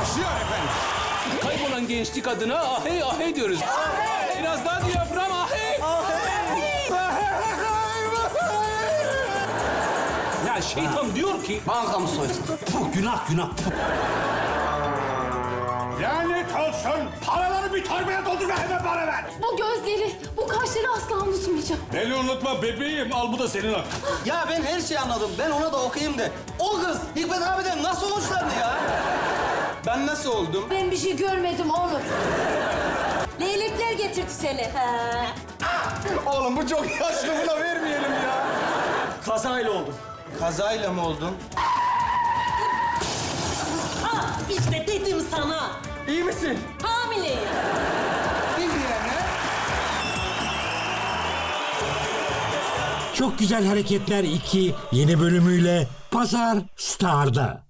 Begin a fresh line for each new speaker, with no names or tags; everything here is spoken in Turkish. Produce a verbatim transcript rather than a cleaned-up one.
Başlıyor efendim.
Kaybolan gençlik adına ahey ahey diyoruz. Ahey. Biraz daha diyafram ahey. Ya şeytan diyor ki...
Bankamı soysun. Puh, günah günah. Puh.
Lanet olsun. Paraları bir torbaya doldur ve hemen bana ver.
Bu gözleri, bu kaşları asla unutmayacağım.
Beni unutma bebeğim. Al bu da senin hakkın.
Ya ben her şeyi anladım. Ben ona da okuyayım de. O kız Hikmet abiden nasıl hoşlandı ya? Ben nasıl oldum?
Ben bir şey görmedim oğlum. Leylekler getirdi seni. He.
Oğlum bu çok yaşlı, buna vermeyelim ya. Kazayla oldum. Kazayla mı oldun?
Ha işte dedim sana.
İyi misin?
Hamileyim.
Çok Güzel Hareketler iki yeni bölümüyle Pazar Star'da.